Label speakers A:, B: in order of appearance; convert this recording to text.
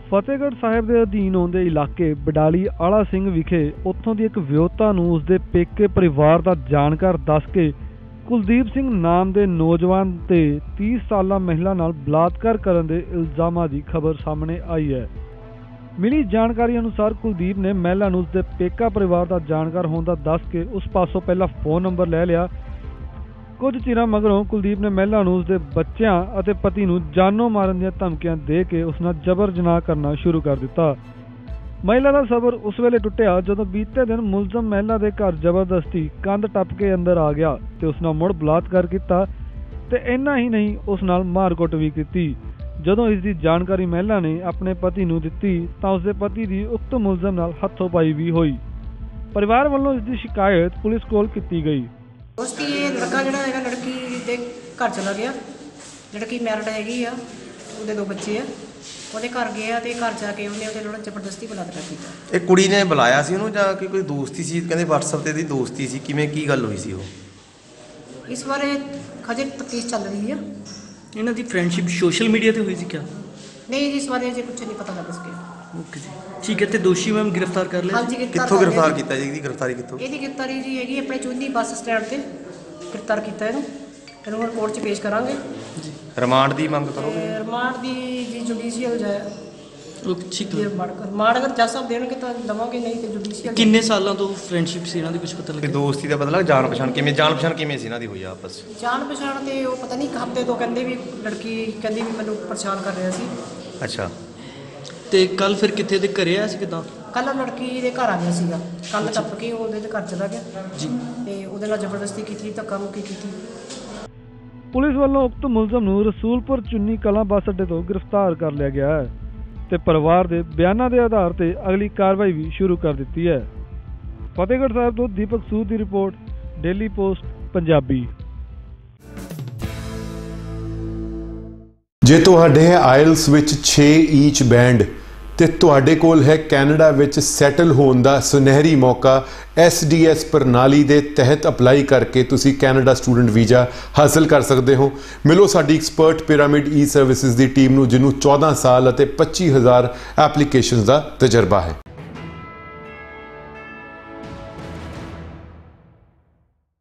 A: ਫਤਿਹਗੜ੍ਹ ਸਾਹਿਬ ਦੇ ਅਧੀਨ ਆਉਂਦੇ ਇਲਾਕੇ ਬਡਾਲੀ ਆਲਾ ਸਿੰਘ ਵਿਖੇ ਉੱਥੋਂ ਦੀ ਇੱਕ ਵਿਆਹੁਤਾ ਨੂੰ ਉਸਦੇ ਪੇਕੇ ਪਰਿਵਾਰ ਦਾ ਜਾਣਕਾਰ ਦੱਸ ਕੇ ਕੁਲਦੀਪ ਸਿੰਘ ਨਾਮ ਦੇ ਨੌਜਵਾਨ ਤੇ 30 ਸਾਲਾ ਮਹਿਲਾ ਨਾਲ ਬਲਾਤਕਾਰ ਕਰਨ ਦੇ ਇਲਜ਼ਾਮਾਂ ਦੀ ਖਬਰ ਸਾਹਮਣੇ ਆਈ ਹੈ। ਮਿਲੀ ਜਾਣਕਾਰੀ ਅਨੁਸਾਰ ਕੁਲਦੀਪ ਨੇ ਮਹਿਲਾ ਨੂੰ ਉਸਦੇ ਪੇਕਾ ਪਰਿਵਾਰ ਦਾ ਜਾਣਕਾਰ ਹੋਣ ਦਾ ਦੱਸ ਕੇ ਉਸ ਪਾਸੋਂ ਪਹਿਲਾਂ ਫੋਨ ਨੰਬਰ ਲੈ ਲਿਆ। ਕੁਝ ਚਿਰਾਂ ਮਗਰੋਂ ਕੁਲਦੀਪ ਨੇ ਮਹਿਲਾ ਨੂੰ ਉਸਦੇ ਬੱਚਿਆਂ ਅਤੇ ਪਤੀ ਨੂੰ ਜਾਨੋਂ ਮਾਰਨ ਦੀਆਂ ਧਮਕੀਆਂ ਦੇ ਕੇ ਉਸ ਨਾਲ ਜ਼ਬਰ ਜਨਾਹ ਕਰਨਾ ਸ਼ੁਰੂ ਕਰ ਦਿੱਤਾ। ਮਹਿਲਾ ਦਾ ਸਬਰ ਉਸ ਵੇਲੇ ਟੁੱਟਿਆ ਜਦੋਂ ਬੀਤੇ ਦਿਨ ਮੁਲਜ਼ਮ ਮਹਿਲਾ ਦੇ ਘਰ ਜ਼ਬਰਦਸਤੀ ਕੰਧ ਟੱਪ ਕੇ ਅੰਦਰ ਆ ਗਿਆ ਤੇ ਉਸ ਨਾਲ ਮੁੜ ਬਲਾਤਕਾਰ ਕੀਤਾ ਤੇ ਇੰਨਾ ਹੀ ਨਹੀਂ, ਉਸ ਨਾਲ ਮਾਰਕੁੱਟ ਵੀ ਕੀਤੀ। ਜਦੋਂ ਇਸ ਦੀ ਜਾਣਕਾਰੀ ਮਹਿਲਾ ਨੇ ਆਪਣੇ ਪਤੀ ਨੂੰ ਦਿੱਤੀ ਤਾਂ ਉਸਦੇ ਪਤੀ ਦੀ ਉਕਤ ਮੁਲਜ਼ਮ ਨਾਲ ਹੱਥੋਂ-ਪਾਈ ਵੀ ਹੋਈ। ਪਰਿਵਾਰ ਵੱਲੋਂ ਇਸ ਦੀ ਸ਼ਿਕਾਇਤ ਪੁਲਿਸ ਕੋਲ ਕੀਤੀ ਗਈ।
B: उसकी ये लड़का जोड़ा है लड़की के घर चला गया, लड़की मैरिड हैगी आ, ਉਹਦੇ 2 ਬੱਚੇ ਆ, ਉਹਦੇ ਘਰ ਗਿਆ ਤੇ ਘਰ ਜਾ ਕੇ ਉਹਨੇ ਉਹਦੇ ਨਾਲ ਜ਼ਬਰਦਸਤੀ ਬਲਾਤਕਾਰ ਕੀਤਾ।
C: ਇਹ ਕੁੜੀ ਨੇ ਬੁਲਾਇਆ ਸੀ ਉਹਨੂੰ ਜਾਂ ਕਿ ਕੋਈ ਦੋਸਤੀ ਸੀ? ਕਹਿੰਦੇ WhatsApp ਤੇ ਦੀ ਦੋਸਤੀ ਸੀ, ਕਿਵੇਂ ਕੀ ਗੱਲ ਹੋਈ ਸੀ ਉਹ?
B: ਇਸ ਬਾਰੇ ਹਜੇ ਤਫਤੀਸ਼ ਚੱਲ ਰਹੀ ਹੈ।
D: ਇਹਨਾਂ ਦੀ ਫਰੈਂਡਸ਼ਿਪ ਸੋਸ਼ਲ ਮੀਡੀਆ ਤੇ ਹੋਈ ਸੀ ਕਿਆ?
B: ਨਹੀਂ ਜੀ, ਇਸ ਬਾਰੇ ਅਜੇ ਕੁਝ ਨਹੀਂ ਪਤਾ ਲੱਗ ਸਕਿਆ।
D: ਓਕੇ ਜੀ, ਠੀਕ ਹੈ। ਤੇ ਦੋਸ਼ੀ ਮੈਮ ਗ੍ਰਿਫਤਾਰ ਕਰ ਲਿਆ?
B: ਹਾਂਜੀ,
C: ਕਿੱਥੋਂ ਗ੍ਰਿਫਤਾਰ ਕੀਤਾ ਜੀ? ਇਹਦੀ ਗ੍ਰਿਫਤਾਰੀ ਕਿੱਥੋਂ?
B: ਇਹਦੀ ਗ੍ਰਿਫਤਾਰੀ ਜੀ ਹੈਗੀ ਆਪਣੇ ਚੁੰਨੀ ਬੱਸ ਸਟੈਂਡ ਤੇ ਗ੍ਰਿਫਤਾਰ ਕੀਤਾ ਇਹਨੂੰ ਹੁਣ ਕੋਰਟ 'ਚ ਪੇਸ਼ ਕਰਾਂਗੇ
D: ਜੀ।
C: ਰਿਮਾਂਡ ਦੀ ਮੰਗ ਕਰੋਗੇ?
B: ਰਿਮਾਂਡ ਦੀ ਜੀ ਜੁਡੀਸ਼ੀਅਲ ਜਾਏ।
D: ਠੀਕ ਹੈ।
B: ਰਿਮਾਂਡ ਅਗਰ ਜੱਜ ਸਾਹਿਬ ਦੇਣਗੇ ਤਾਂ ਦਵਾਂਗੇ, ਨਹੀਂ ਤੇ ਜੁਡੀਸ਼ੀਅਲ।
D: ਕਿੰਨੇ ਸਾਲਾਂ ਤੋਂ ਫਰੈਂਡਸ਼ਿਪ ਸੀ ਇਹਨਾਂ ਦੀ, ਕੁਝ ਪਤਾ ਲੱਗਿਆ?
C: ਦੋਸਤੀ ਦਾ ਪਤਾ ਲੱਗ, ਜਾਣ ਪਛਾਣ ਕਿਵੇਂ ਸੀ ਇਹਨਾਂ ਦੀ ਹੋਈ ਆਪਸ?
B: ਜਾਣ ਪਛਾਣ ਤੇ ਉਹ ਪਤਾ ਨਹੀਂ, ਇੱਕ ਹਫ਼ਤੇ ਤੋਂ ਕਹਿੰਦੇ ਵੀ ਲੜਕੀ ਕਹਿੰਦੀ ਵੀ ਮੈਨੂੰ ਪਰੇਸ਼ਾਨ ਕਰ ਰਿਹਾ ਸੀ।
C: ਅੱਛਾ।
D: ਤੇ ਕੱਲ ਫਿਰ ਕਿੱਥੇ ਦੇ ਘਰੇ ਆਇਆ ਸੀ ਕਿਦਾਂ?
B: ਕੱਲ ਲੜਕੀ ਦੇ ਘਰ ਆ ਗਿਆ ਸੀਗਾ, ਕੱਲ ਟੱਪ ਕੇ ਉਹਦੇ ਘਰ ਚਲਾ ਗਿਆ
D: ਜੀ
B: ਤੇ ਉਹਦੇ ਨਾਲ ਜ਼ਬਰਦਸਤੀ ਕੀਤੀ, ਧੱਕਾ ਮੁੱਕੀ ਕੀਤੀ।
A: ਪੁਲਿਸ ਵੱਲੋਂ ਉਕਤ ਮੁਲਜ਼ਮ ਨੂੰ ਰਸੂਲਪੁਰ ਚੁੰਨੀ ਕਲਾਂ ਬੱਸ ਅੱਡੇ ਤੋਂ ਗ੍ਰਿਫਤਾਰ ਕਰ ਲਿਆ ਗਿਆ ਹੈ ਤੇ ਪਰਿਵਾਰ ਦੇ ਬਿਆਨਾਂ ਦੇ ਆਧਾਰ ਤੇ ਅਗਲੀ ਕਾਰਵਾਈ ਵੀ ਸ਼ੁਰੂ ਕਰ ਦਿੱਤੀ ਹੈ। ਫਤਿਹਗੜ੍ਹ ਸਾਹਿਬ ਤੋਂ ਦੀਪਕ ਸੂਦ ਦੀ ਰਿਪੋਰਟ, ਡੇਲੀ ਪੋਸਟ ਪੰਜਾਬੀ।
E: ਜੇ ਤੁਹਾਡੇ ਹੈ ਆਇਲਸ ਵਿੱਚ 6 ਈਚ ਬੈਂਡ ਤੇ ਤੁਹਾਡੇ ਕੋਲ ਹੈ ਕੈਨੇਡਾ ਵਿੱਚ ਸੈਟਲ ਹੋਣ ਦਾ ਸੁਨਹਿਰੀ ਮੌਕਾ, SDS ਪ੍ਰਣਾਲੀ ਦੇ ਤਹਿਤ ਅਪਲਾਈ ਕਰਕੇ ਤੁਸੀਂ ਕੈਨੇਡਾ ਸਟੂਡੈਂਟ ਵੀਜ਼ਾ ਹਾਸਲ ਕਰ ਸਕਦੇ ਹੋ। ਮਿਲੋ ਸਾਡੀ ਐਕਸਪਰਟ ਪਿਰਾਮਿਡ ਈ ਸਰਵਿਸਿਜ਼ ਦੀ ਟੀਮ ਨੂੰ, ਜਿਹਨੂੰ 14 ਸਾਲ ਅਤੇ 25,000 ਐਪਲੀਕੇਸ਼ਨਸ ਦਾ ਤਜਰਬਾ ਹੈ।